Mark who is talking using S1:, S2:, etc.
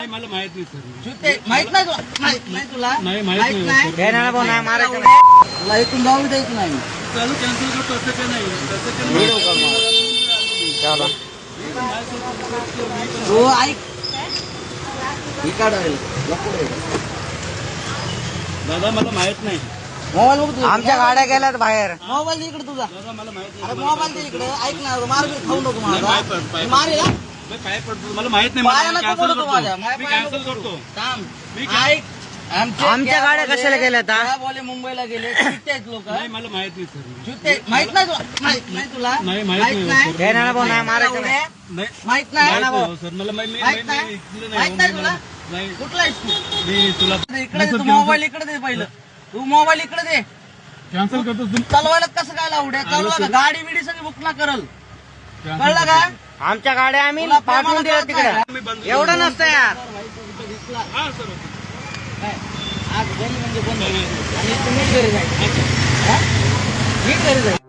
S1: मला माहित नाही सर.
S2: ते माहित नाही तुला? माहित नाही तुला?
S1: नाही माहित नाही.
S2: तुला इथून जाऊ द्यायचं नाही.
S1: चालू कॅन्सल करतो असं काय नाही. तसं काय
S2: हो ऐक
S1: दादा मला माहित नाही.
S2: मोबाईल बघ तुझा.
S3: आमच्या गाड्या गेल्यात बाहेर.
S2: मोबाईल दे इकडे तुझा.
S1: दादा मला माहित
S2: अरे
S1: नाही.
S2: मोबाईल दे इकडे. ऐक ना मार्केट खाऊ नको
S1: नाही,
S2: माझा.
S1: पाय-
S2: मारेल हा?
S1: काय पडतो मला माहित नाही.
S2: पाया
S1: मला
S2: नको
S1: कॅन्सल
S2: पडू तू माझ्या.
S1: करतो. मी
S2: पाया नको
S1: कॅन्सल
S2: पडू.
S1: करतो.
S2: थांब.
S1: मी
S2: ऐक
S3: आमच्या गाड्या कशाला गेल्यात, हा?
S2: त्या बोले मुंबईला गेले चुत्ते आहेत लोक.
S1: नाही मला माहित नाही सर.
S2: चुत्ते माहित नाही तुला? माहित नाही तुला?
S1: नाही, माहित नाही.
S3: हे ना भाऊ, नाही मारायचं नाही.
S1: नाही
S2: माहित नाही
S1: माहित
S2: ना भाऊ?
S1: नाही सर. मला माहित
S2: माहित नाही? माहित नाही तुला?
S1: नाही
S2: कुठला आहेस तू?
S1: मी तुला
S2: इकडे दे तू मोबाईल इकडे दे पहिलं. तू मोबाईल इकडे दे.
S1: कॅन्सल करतो.
S2: चालवायला कसं काय लावड्या चालवा का? गाडी बिडी सगळी बुक ना करल. कळलं का?
S3: आमच्या गाड्या आम्ही
S2: तुला
S3: पाठवून दिल्या
S2: प्रेमानं
S3: तिकडे.
S1: मी बंद
S3: एवढं नसतं यार.
S1: हा सर.
S2: काय? आज बंद म्हणजे बंद. आणि तुम्ही घरी जायचं. हा? मी घरी जायचं.